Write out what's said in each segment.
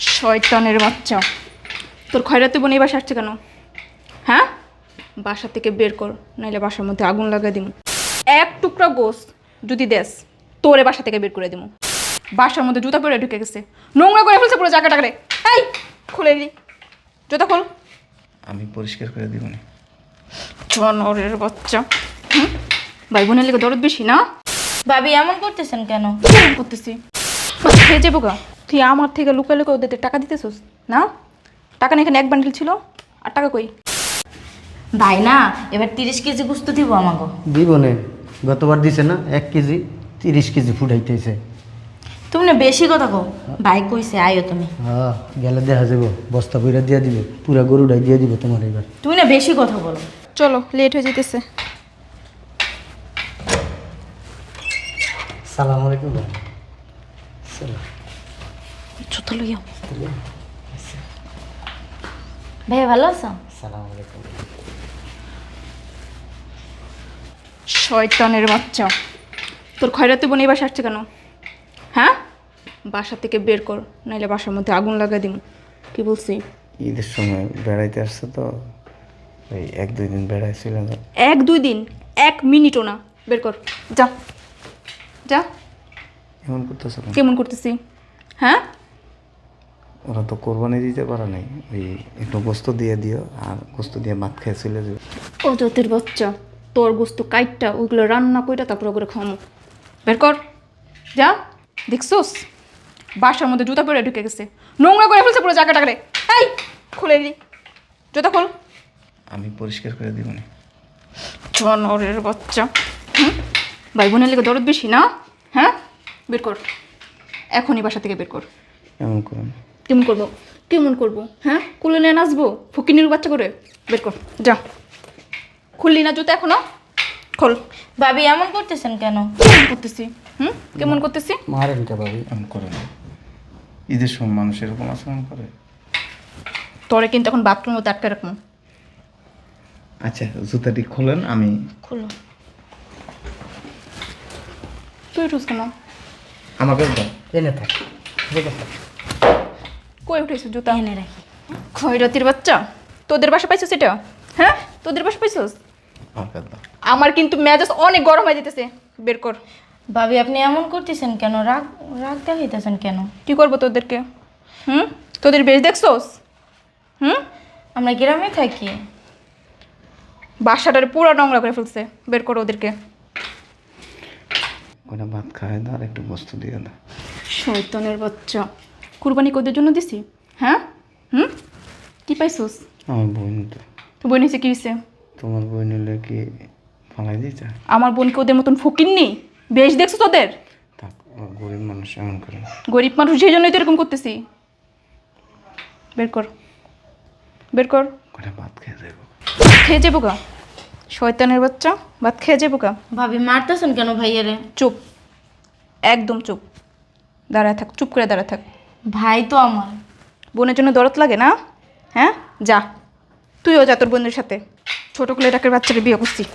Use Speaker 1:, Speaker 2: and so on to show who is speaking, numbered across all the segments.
Speaker 1: শয়তানের বাচ্চা, তোর খয়রাতি বোন এই বাসা আসছে কেন? হ্যাঁ, বাসা থেকে বের কর, নাইলে বাসার মধ্যে আগুন লাগাই দিমু। এক টুকরা গোস যদি দেস, তোরে বাসা থেকে বের করে দিমু। বাসার মধ্যে জুতা পরে ঢুকে গেছে, নোংরা করে ফেলছে পুরো জায়গাটাকে। এই খুলে দি, জুতা খোল।
Speaker 2: আমি পরিষ্কার করে দিব না।
Speaker 1: জনরের বাচ্চা। ভাই বোনের লেগে দরদ বেশি না?
Speaker 3: ভাবি এমন করতেছেন কেন?
Speaker 1: কেমন করতেছি খেয়ে যাবো গা। তুই আমার থেকে লুকা লুকা ওদের টাকা দিতেছিস না? টাকা না, এখানে এক বান্ডিল ছিল, আর টাকা কই?
Speaker 3: ভাই না, এবার 30 কেজি গুস্ত দিব আমাকে।
Speaker 4: দিব নে, গতবার দিছে না 1 কেজি 30 কেজি ফুটাইতেছে।
Speaker 3: তুমি না বেশি কথা কও। ভাই কইছে আইও তুমি।
Speaker 4: হ্যাঁ, গেলে দেখা যাবো, বস্তা বইরা দিয়া দিবে, পুরা গরুটাই দিয়ে দিব তোমার এবার।
Speaker 3: তুমি না বেশি কথা বলো।
Speaker 1: চলো, লেট হয়ে যেতেছে।
Speaker 4: সালাম আলাইকুম ভাই। সালাম।
Speaker 1: জুতা লইয়াও।
Speaker 3: ভাই ভালো আছো?
Speaker 4: সালাম আলাইকুম।
Speaker 1: শয়তানের বাচ্চা, তোর খয়রাতি বোন এই বাসা আসছে কেন? হ্যাঁ, বাসা থেকে বের কর, নাইলে বাসার মধ্যে আগুন লাগাই দিমু। কি বলছি?
Speaker 2: ঈদের সময় বেড়াইতে আসছে তো, ওই 1-2 দিন বেড়াইছিল।
Speaker 1: 1-2 দিন, 1 মিনিটও না। বের কর, যা যা।
Speaker 2: এমন করতেছ কেন?
Speaker 1: কেমন করতেছি? হ্যাঁ,
Speaker 2: ওরা তো কোরবানি দিতে পারে নাই, ওই একটু গোস্ত দিয়ে দিও, আর গোস্ত দিয়ে ভাত খেয়ে চলে যাবে।
Speaker 1: ও তোদের বাচ্চা, তোর গোস্ত কাইটটা ওইগুলো রান্না কইরা তারপর ওগুলো খাওয়ামো। বের কর, যা। দেখছোস, বাসার মধ্যে জুতা পরে ঢুকে গেছে, নোংরা করে ফেলছে পুরো জায়গাটাকে। এই খুলে দি, জুতা খোল।
Speaker 2: আমি পরিষ্কার করে দিব না।
Speaker 1: জনরের বাচ্চা। ভাই বোনের লেগে দরদ বেশি না? হ্যাঁ, বের কর, এখনই বাসা থেকে বের কর।
Speaker 2: এমন করুন।
Speaker 1: কেমন করবো? কেমন করবো? হ্যাঁ, কুলে নিয়ে নাচবো ফকিনির বাচ্চা করে? বের কর, যা। খুললি না জুতা এখনো? খোল।
Speaker 3: ভাবি এমন করতেছেন কেন?
Speaker 1: কেমন করতেছি? কেমন করতেছি?
Speaker 4: মারেন কে ভাবি?
Speaker 2: এমন করে না। ঈদের সময় মানুষ এরকম আচরণ করে?
Speaker 1: তোরে কিন্তু এখন বাথরুমে আটকে রাখবো।
Speaker 2: আচ্ছা, জুতাটি খোলেন, আমি
Speaker 3: খুলো।
Speaker 1: তুই উঠুস কেন?
Speaker 2: আমাকে দাও।
Speaker 4: এনে থাক, ঠিক আছে।
Speaker 1: কই উঠেছিস জুতা?
Speaker 3: এনে রাখি।
Speaker 1: খয়রাতির বাচ্চা, তোদের বাসা পাইছিস এটা? হ্যাঁ, তোদের বাসা পাইছিস?
Speaker 2: আমাকে দাও।
Speaker 1: আমার কিন্তু মেজাজ অনেক গরম হয়ে যেতেছে। বের কর।
Speaker 3: ভাবি আপনি এমন করতেছেন কেন? রাগ রাগ দেখাইতেছেন কেন?
Speaker 1: কি করবো তোদেরকে? তোদের বেশ দেখছোস?
Speaker 3: আমরা গ্রামে থাকি।
Speaker 1: বাসাটারে পুরো নোংরা করে ফেলছে। বের করো ওদেরকে।
Speaker 2: ওটা ভাত খাওয়াই দাও, আর একটু গোস্ত দিয়ে দাও।
Speaker 1: শয়তানের বাচ্চা, কুরবানি কোদের জন্য দিছি? হ্যাঁ, কি পাইছোস?
Speaker 2: আমার বোন তো।
Speaker 1: তো বোন হয়েছে কি হয়েছে?
Speaker 2: তোমার বোন হলে কি ফালাই দিতে?
Speaker 1: আমার বোনকে ওদের মতন ফকির নেই। বেশ দেখছো তোদের?
Speaker 2: থাক, ও গরিব মানুষ, এমন করে না।
Speaker 1: গরিব মানুষ, সেই জন্যই তো এরকম করতেছি। বের কর, বের কর।
Speaker 2: ওটা ভাত খেয়ে যাবো।
Speaker 1: খেয়ে যাবো গা। শয়তানের বাচ্চা, ভাত খেয়ে যাবো গা।
Speaker 3: ভাবি মারতেছেন কেন ভাইয়ারে?
Speaker 1: চুপ, একদম চুপ। দাঁড়ায় থাক, চুপ করে দাঁড়ায় থাক।
Speaker 3: ভাই তো আমার।
Speaker 1: বোনের জন্য দরদ লাগে না? হ্যাঁ, যা, তুইও যা তোর বোনের সাথে। ছোটো কুলেটাকের বাচ্চাকে বিয়ে করছি,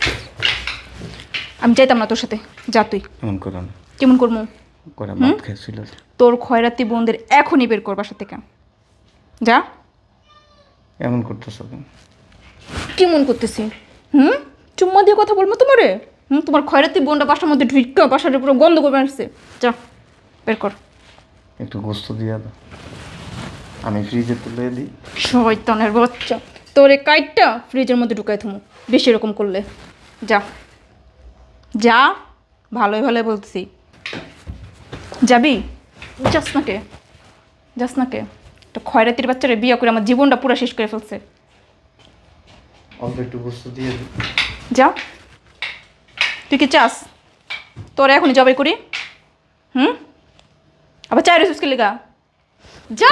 Speaker 1: আমি চাইতাম না তোর সাথে। যা তুই।
Speaker 2: এমন করো না।
Speaker 1: কেমন করবো?
Speaker 2: করে ভাত খেয়েছিল।
Speaker 1: তোর খয়রাতি বোনদের এখনই বের কর বাসা থেকে। যা।
Speaker 2: এমন করতেছ কেন?
Speaker 1: কেমন করতেছি? চুম্মা দিয়ে কথা বলবো তোমারে? তোমার খয়রাতি বোনটা বাসার মধ্যে ঢুকা বাসাটা পুরো গন্ধ করে আসছে। যা, বের কর।
Speaker 2: একটু গোস্ত দিয়ে দাও, আমি ফ্রিজে তুলে দিই।
Speaker 1: শয়তানের বাচ্চা, তোর এই কাইটটা ফ্রিজের মধ্যে ঢুকাই থুমু বেশি এরকম করলে। যা যা, ভালোই ভালোই বলতেছি। যাবি? যাস না কে? যাস না কে? তো খয়রাতির বাচ্চারা বিয়ে করে আমার জীবনটা পুরো শেষ করে ফেলছে।
Speaker 2: অল্প একটু গোস্ত দিয়ে দিই।
Speaker 1: যা। তুই কি চাস তোর এখনই জবাই করি? আবার চাই রেসুসকে লেগা? যা।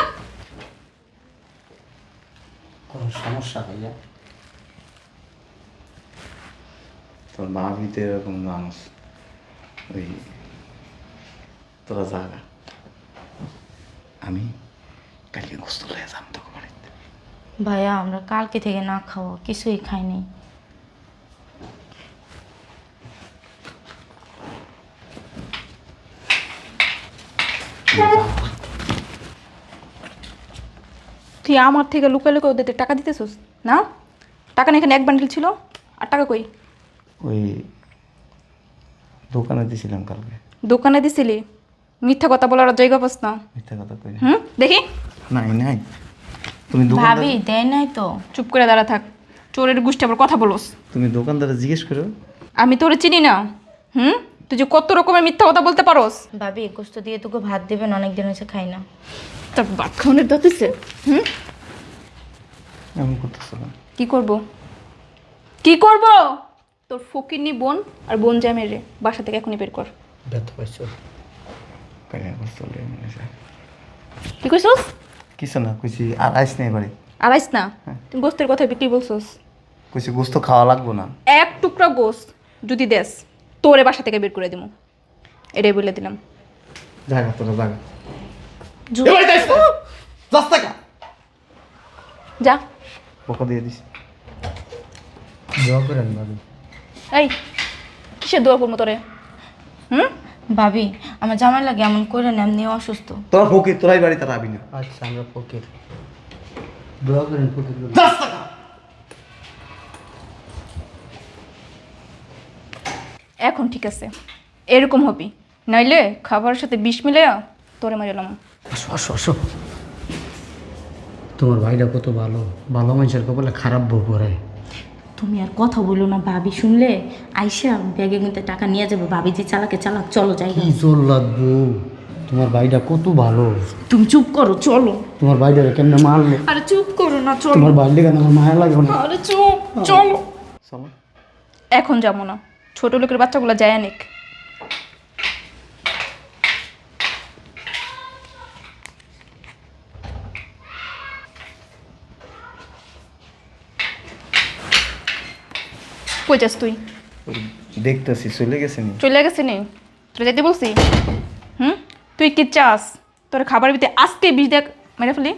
Speaker 4: কোনো সমস্যা ভাইয়া?
Speaker 2: তোর মা ভিতরে এরকম মানুষ, ওই তোরা জাগা, আমি কালকে গোস্ত লয়ে যাম তোকে বাড়িতে।
Speaker 3: ভাইয়া আমরা কালকে থেকে না খাওয়া কিছুই খাইনি।
Speaker 1: তুই আমার থেকে লুকায় লুকায় ওদের টাকা দিতেছিস না? টাকা না, এখানে এক বান্ডিল ছিল। আর টাকা কই?
Speaker 2: ওই দোকানে দিয়েছিলাম কালকে।
Speaker 1: দোকানে দিছিলি? মিথ্যা কথা বলার আর জায়গা পাস না।
Speaker 2: মিথ্যা কথা কই না।
Speaker 1: দেখি।
Speaker 2: নাই নাই, তুমি
Speaker 3: ভাবি দেয় নাই তো।
Speaker 1: চুপ করে দাঁড়া থাক। চোরের গোষ্ঠী আবার কথা বলোস।
Speaker 2: তুমি দোকানদারে জিজ্ঞেস করো।
Speaker 1: আমি তোরে চিনি না। তুই যে কত রকমের মিথ্যা কথা বলতে পারোস।
Speaker 3: ভাবি গোস্ত দিয়ে তোকে ভাত দেবেন, অনেক দিন হয়েছে খাই না।
Speaker 1: তোর ভাত খাওয়ানোর দাঁতিছে।
Speaker 2: এমন করতেছো না।
Speaker 1: কি করব? কি করব? তোর ফকিরনি বোন আর বোন জামের রে বাসা থেকে এখনই বের কর।
Speaker 4: ব্যথা পাইছো?
Speaker 2: কাইয়া করতে চলে গেছে।
Speaker 1: কি কইছস?
Speaker 2: কিছু না, কইছি আর আইস নেই বাড়ি।
Speaker 1: আর আইস না? তুমি গোস্তের কথা বিক্রি বলছস।
Speaker 2: কইছি গোস্ত খাওয়া লাগবো না।
Speaker 1: এক টুকরা গোস্ত যদি দেস, তোরে বাসা থেকে বের করে দিমু। এটাই বলে দিলাম।
Speaker 2: জায়গা তোরা জায়গা।
Speaker 1: যা।
Speaker 2: বকা দিয়ে দিস।
Speaker 4: দোয়া করেন ভাবি।
Speaker 1: এই কিসের দোয়া করবো তোরে?
Speaker 3: ভাবি আমার জামাই লাগে এমন করে না, এমনি অসুস্থ।
Speaker 2: তোরা ফকির, তোরাই বাড়ি তারা আবি না।
Speaker 4: আচ্ছা আমরা ফকির, দোয়া করেন ফকির বলে।
Speaker 1: এখন ঠিক আছে, এরকম হবি, নাইলে খাবারের সাথে বিষ মিলে তোরে মারিলাম।
Speaker 4: আসো আসো আসো। তোমার ভাইটা কত ভালো, ভালো মানুষের কপালে খারাপ বউ পড়ে।
Speaker 3: তুমি আর কথা বলো না, ভাবি শুনলে আইসা ব্যাগে কিন্তু টাকা নিয়ে যাবো। ভাবি যে চালাকে চালাক, চলো যাই।
Speaker 4: কি জোর লাগবো, তোমার ভাইটা কত ভালো।
Speaker 3: তুমি চুপ করো, চলো।
Speaker 4: তোমার ভাইটা কেমনে মারলো।
Speaker 1: আরে চুপ করো না, চলো।
Speaker 4: তোমার ভাইটা কেন আমার মায়া লাগে না।
Speaker 1: আরে চুপ, চলো।
Speaker 2: চলো।
Speaker 1: এখন যাবো না, ছোট লোকের বাচ্চাগুলো যায় অনেক। কই যাস তুই?
Speaker 2: ওই দেখতেছি চলে গেছে নি।
Speaker 1: চলে গেছে নি? তোরা যেতে বলছি? তুই কি চাস তোর খাবার ভিতরে আজকে বিষ দেখ মেরে ফেলি?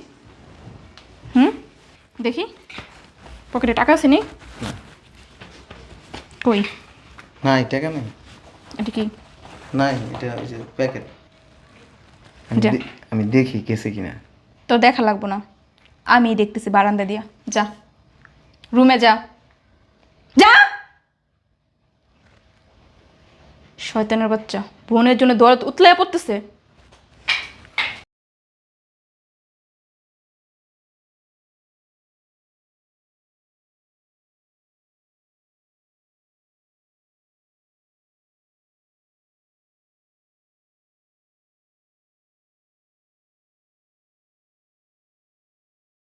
Speaker 1: দেখি পকেটে টাকা আছে নি? কই?
Speaker 2: নাই টাকা নেই।
Speaker 1: এটা কি?
Speaker 2: নাই, এটা ওই যে প্যাকেট।
Speaker 1: যা।
Speaker 2: আমি দেখি গেছে কিনা।
Speaker 1: তোর দেখা লাগবো না, আমি দেখতেছি বারান্দা দিয়া। যা রুমে যা, যা। শয়তানের বাচ্চা বোনের জন্য দরদ উতলায় পড়তেছে।